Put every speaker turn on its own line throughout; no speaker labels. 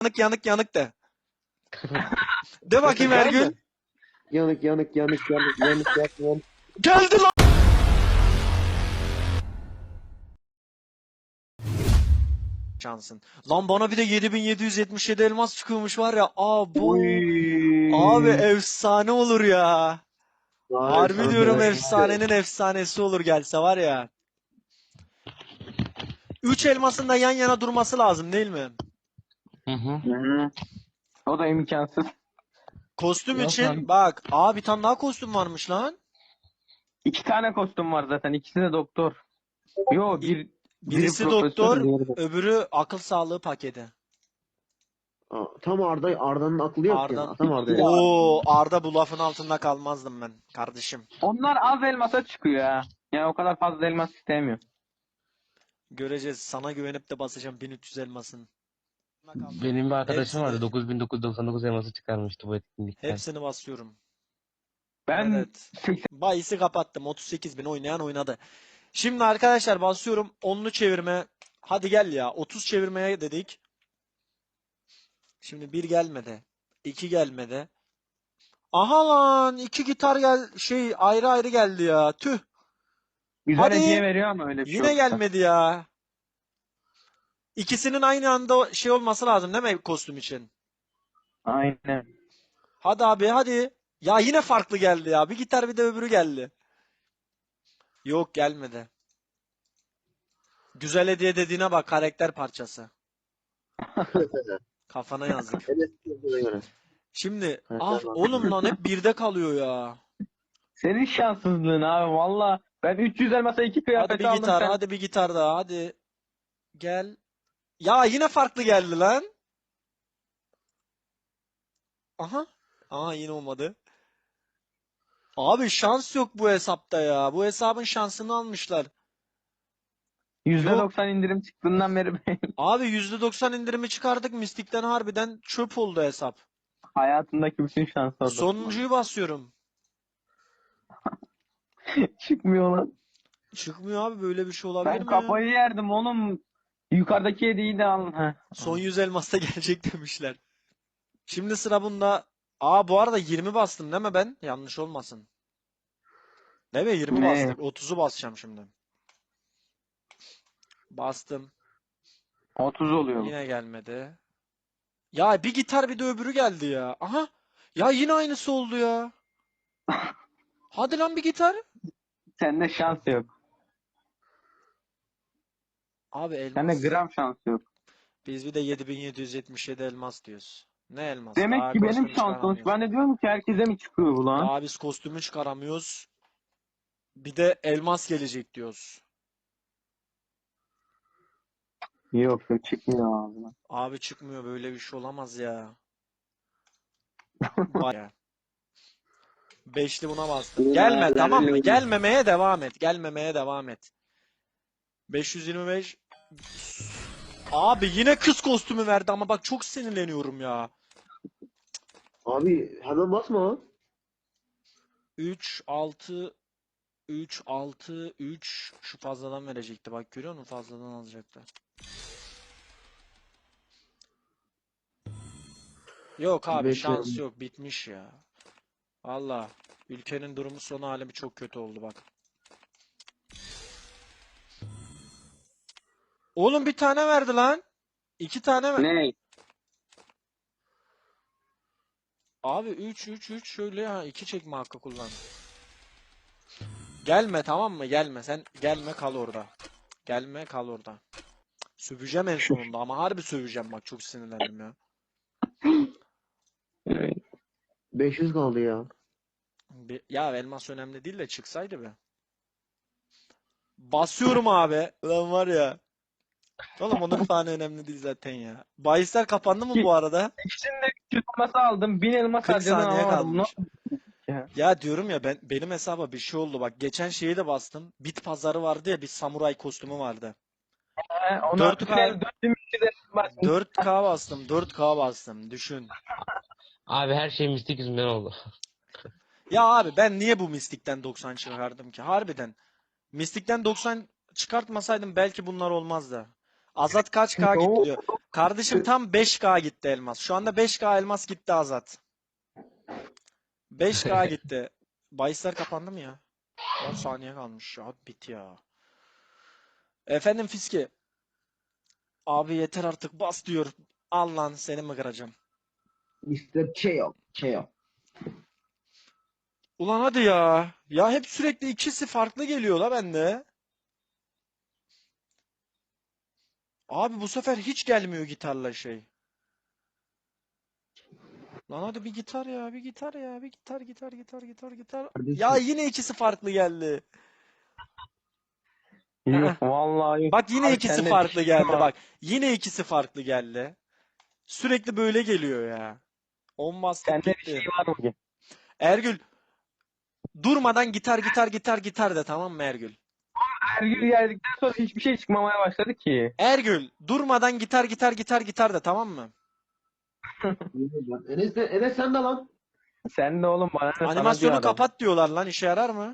Yanık yanık yanık de. De bakayım
Tamam mı?
Ergün.
Yanık yanık yanık yanık yanık yanık.
Geldi lan. Şansın. Lan bana bir de 7777 elmas çıkıyormuş var ya. Bu. Abi
Uy.
efsane olur ya.
Abi
Harbi
sana
diyorum
söyleyeyim mi?
efsanenin efsanesi olur gelse var ya. 3 elmasın da yan yana durması lazım değil mi?
Hı hı.
Hı. O da imkansız.
Kostüm
Yok
için
lan.
bak. Bir tane daha kostüm varmış lan.
2 tane kostüm var zaten. İkisi de doktor. Yo
İ-
biri
Birisi
profesör,
doktor,
diğeri de.
öbürü akıl sağlığı paketi.
Tam Arda'nın aklı yok ya.
Arda.
Tam Arda'ya.
Arda bu lafın altında kalmazdım ben kardeşim.
Onlar az elmasa çıkıyor ha. Yani o kadar fazla elmas istemiyor.
Göreceğiz. Sana güvenip de basacağım 1300 elmasın.
Benim bir arkadaşım vardı.
Hepsini,
9999 elması çıkarmıştı bu etkinlikten.
hepsini basıyorum.
Ben
Evet.
80
Bayisi kapattım. 38 bin oynayan oynadı. Şimdi arkadaşlar basıyorum. 10'lu çevirme. Hadi gel ya. 30 çevirmeye dedik. Şimdi 1 gelmedi. 2 gelmedi. Aha lan. 2 gitar ayrı ayrı geldi ya. Tüh.
güzel
Hadi.
hediye veriyor ama öyle bir şey
Yine
olursa.
gelmedi ya. İkisinin aynı anda olması lazım değil mi kostüm için?
Aynen.
Hadi abi hadi. Ya yine farklı geldi ya. Bir gitar bir de öbürü geldi. Yok gelmedi. Güzel hediye dediğine bak, karakter parçası. Kafana yazık.
Evet, göre.
Şimdi
Karakter
oğlum lan hep birde kalıyor ya.
Senin şanssızlığın abi valla. Ben 300 elmasa 2
Hadi
kıyafet
bir
aldım
gitar,
sen.
hadi bir gitar daha, hadi. Gel. Ya yine farklı geldi lan. Aha. Yine olmadı. Abi şans yok bu hesapta ya. Bu hesabın şansını almışlar. Yok.
%90 indirim çıktığından beri
Abi %90 indirimi çıkardık. Mistik'ten harbiden çöp oldu hesap.
hayatındaki bütün şans orada.
Sonuncuyu basıyorum.
Çıkmıyor lan.
Çıkmıyor abi, böyle bir şey olabilir
Ben
mi ya?
kafayı yerdim oğlum. Yukarıdaki hediyeyi de alın. Heh.
Son 100 elmasta gelecek demişler. Şimdi sıra bunda. Bu arada 20 bastım değil mi ben? Yanlış olmasın. Değil mi? 20
Ne?
bastık. 30'u basacağım şimdi. Bastım.
30 oluyor bu.
Yine gelmedi. Ya bir gitar bir de öbürü geldi ya. Aha. Ya yine aynısı oldu ya. Hadi lan bir gitar.
Sende şans yok.
Abi
Sende
elmas.
gram şans yok.
Biz bir de 7777 elmas diyoruz. Ne elmas?
Demek
Daha
ki benim
kostüm
şansım.
çıkaramıyoruz.
Ben de diyorum ki herkese mi çıkıyor bu lan?
Daha biz kostümü çıkaramıyoruz. Bir de elmas gelecek diyoruz.
Yok yok çıkmıyor ağzına.
Abi çıkmıyor, böyle bir şey olamaz ya. Vay ya. Beşli buna bastım. Gelme tamam mı? Gelmemeye devam et. Gelmemeye devam et. 525. Abi yine kız kostümü verdi ama bak çok sinirleniyorum ya.
Abi hemen basma.
3 6 3 6 3 şu fazladan verecekti. Bak görüyor musun? Fazladan alacaktı. Yok abi,
Bekle.
şans yok. Bitmiş ya. Valla ülkenin durumu, son halimi çok kötü oldu bak. Oğlum bir tane verdi lan. 2 tane ver.
Ne?
Abi 3 3 3 şöyle ya, 2 çekme hakkı kullan. Gelme tamam mı? Gelme. Sen gelme, kal orada. Gelme, kal orada. Söveceğim en sonunda ama harbi söveceğim, bak çok sinirlendim ya.
Evet.
500 kaldı ya.
Ya elmas önemli değil de çıksaydı be. Basıyorum abi. Ulan var ya. Oğlum onun tane önemli değil zaten ya. Bahisler kapandı mı bu arada?
İkisini de 300 elması aldım. 1000 elmas
40
harcadan
saniye
alamadım.
kalmış.
Ya.
Ya diyorum ya, benim hesaba bir şey oldu bak. Geçen şeyi de bastım. Bit pazarı vardı ya, bir samuray kostümü vardı.
Ona
4K
4300 elmas bastım.
4K bastım. 4K bastım. Düşün.
Abi her şey mistik yüzünden oldu.
Ya abi ben niye bu Mystic'ten 90 çıkardım ki? Harbiden. Mystic'ten 90 çıkartmasaydım belki bunlar olmazdı. Azat kaç K
Oo.
gitti diyor. Kardeşim tam 5K gitti elmas. Şu anda 5K elmas gitti Azat. 5K gitti. Bahisler kapandı mı ya? 10 saniye kalmış ya. Bit ya. Efendim Fiski. Abi yeter artık bas diyor. Al lan seni mi kıracağım?
İşte Cheo. Cheo.
Ulan hadi ya. Ya hep sürekli ikisi farklı geliyor la bende. Abi bu sefer hiç gelmiyor gitarla şey. Lan hadi bir gitar ya, bir gitar ya, bir gitar. Ya
Kardeşim.
yine ikisi farklı geldi. Aa,
Yok vallahi yok.
bak yine
Abi
ikisi
sende bir
farklı
şey
geldi.
var.
Bak yine ikisi farklı geldi. Sürekli böyle geliyor ya. On bastık
Sende bir şey
gitti.
var mı ki?
Ergül durmadan gitar de tamam mı Ergül?
Ergül geldikten sonra hiçbir şey çıkmamaya başladı ki.
Ergül durmadan gitar de tamam mı?
Enes sen de lan.
Sen de oğlum bana ne sana diyor
Animasyonu
adam.
kapat diyorlar lan işe yarar mı?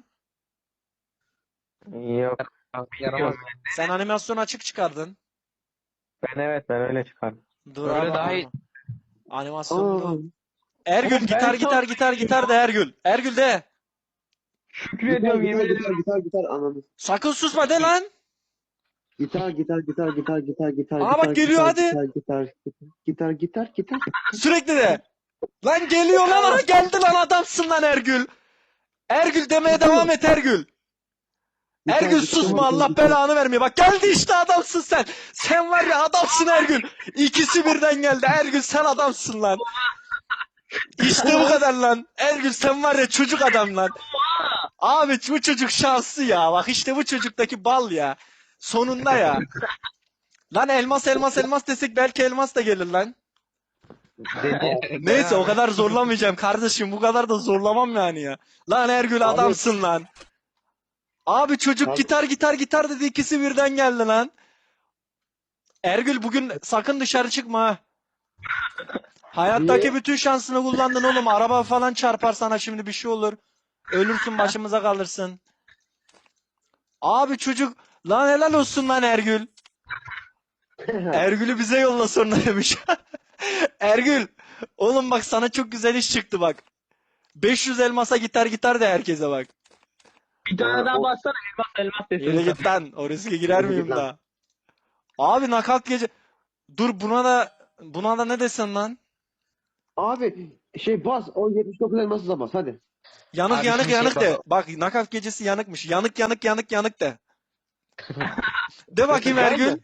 Yok.
Yaramaz.
Sen animasyon açık çıkardın.
Ben öyle çıkardım.
Dur
Öyle
abi
daha iyi.
animasyonda.
Aa,
Ergül
Oğlum ben
gitar de Ergül. Ergül de.
Şükür
gitar
ediyorum
gitar
yemin
gitar
ediyorum.
gitar ananı.
Sakın susma de lan.
Gitar
Aa bak geliyor hadi.
gitar.
Sürekli de. Lan geliyor lan aha geldi lan adamsın lan Ergül. Ergül demeye devam et Ergül. Ergül susma Allah belanı vermiyor. Bak geldi işte adamsın sen. Sen var ya adamsın Ergül. İkisi birden geldi. Ergül sen adamsın lan. İşte bu kadar lan. Ergül sen var ya çocuk adam lan. Abi bu çocuk şanslı ya. Bak işte bu çocuktaki bal ya. Sonunda ya. Lan elmas desek belki elmas da gelir lan. Neyse o kadar zorlamayacağım kardeşim. Bu kadar da zorlamam yani ya. Lan Ergül adamsın lan. Abi çocuk
Abi-
gitar dedi ikisi birden geldi lan. Ergül bugün sakın dışarı çıkma ha. Hayattaki
Niye?
bütün şansını kullandın oğlum. Araba falan çarpar sana şimdi bir şey olur. Ölürsün başımıza kalırsın. Abi çocuk lan helal olsun lan Ergül. Ergül'ü bize yolla sonra demiş. Ergül oğlum bak sana çok güzel iş çıktı bak. 500 elmasa gitar de herkese bak.
Bir tane daha bassana elmas
Yürü
desin.
git lan. O riske girer
Yürü git
miyim
lan.
daha? Abi nakalt gece. Dur buna da ne desen lan?
Abi bas 79 elması bas hadi.
Yanık
Abi
yanık
şimdi
yanık
şey
de.
bak-
Bak nakaf gecesi yanıkmış. Yanık de. De bakayım
Var mı?
Ergül.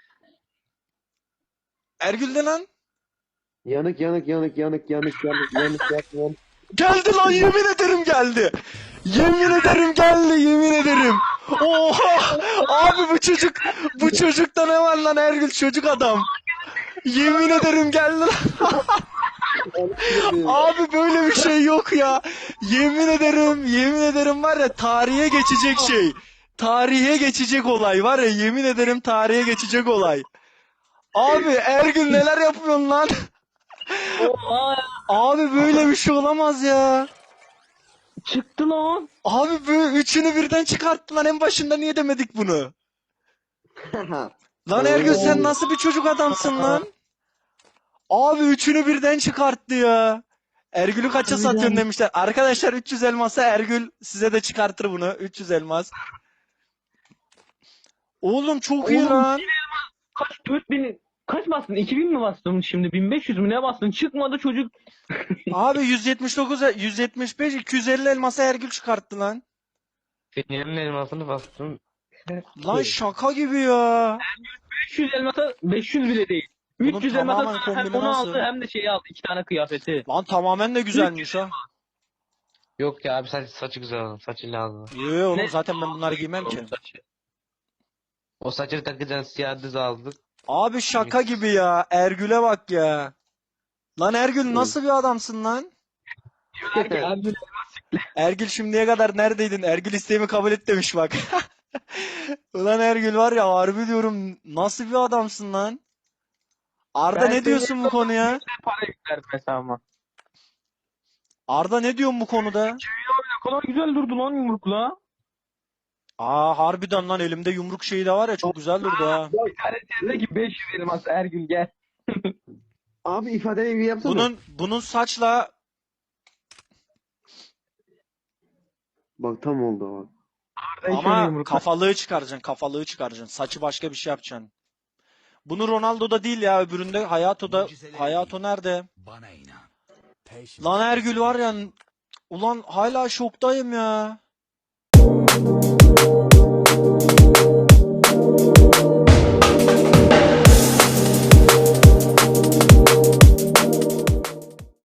Ergül de lan.
Yanık.
Geldi lan yemin ederim geldi. Yemin ederim. Oha! Abi bu çocukta ne var lan Ergül çocuk adam. Yemin ederim geldi lan. Abi böyle bir şey yok ya. Yemin ederim var ya tarihe geçecek şey. Tarihe geçecek olay var ya yemin ederim tarihe geçecek olay. Abi Ergün neler yapıyorsun lan? Abi böyle bir şey olamaz ya.
Çıktı lan.
Abi böyle üçünü birden çıkarttı lan en başında niye demedik bunu? Lan Ergün sen nasıl bir çocuk adamsın lan? Abi üçünü birden çıkarttı ya. Ergül'ü kaça satıyorsun demişler. Arkadaşlar 300 elmasa Ergül size de çıkartır bunu. 300 elmas. Oğlum çok iyi
Oğlum,
lan.
Kaç 4000 kaç bastın? 2000 mi bastın şimdi? 1500 mü ne bastın? Çıkmadı çocuk.
Abi 179, 175, 250 elmasa Ergül çıkarttı lan.
Senin elmasını bastım.
Lan şaka gibi ya.
500 elmasa 500 bile değil.
Bunun
300
tamamen
elmasa hem
kombini
onu
nasıl?
aldı hem de şeyi aldı. 2 tane kıyafeti.
Lan tamamen de güzelmiş ha.
Yok ya abi saçı güzel oldu. Saçı lazım.
Yo oğlum
Ne?
zaten ben bunları giymem ki.
O saçı takacaksın siyah düz aldık.
Abi şaka gibi ya. Ergül'e bak ya. Lan Ergül nasıl bir adamsın lan?
Abi,
Ergül şimdiye kadar neredeydin? Ergül isteğimi kabul et demiş bak. Ulan Ergül var ya harbi diyorum nasıl bir adamsın lan? Arda
Ben
ne diyorsun bu konuya?
para yüklerdim hesabıma.
Arda ne diyorsun bu konuda?
Ne kadar güzel durdu lan yumrukla.
Aa harbiden lan elimde yumruk şeyi de var ya çok güzel durdu ha.
Bir tane çezdeki 500 elmas Ergün gel.
Abi ifadeyi bir yapsana.
Bunun saçla
Bak tam oldu o.
ama kafalığı çıkaracaksın, kafalığı çıkaracaksın. Saçı başka bir şey yapacaksın. Bunu Ronaldo'da değil ya, öbüründe Hayato'da. Hayato nerede?
Bana inan.
Lan Ergül var ya, ulan hala şoktayım ya.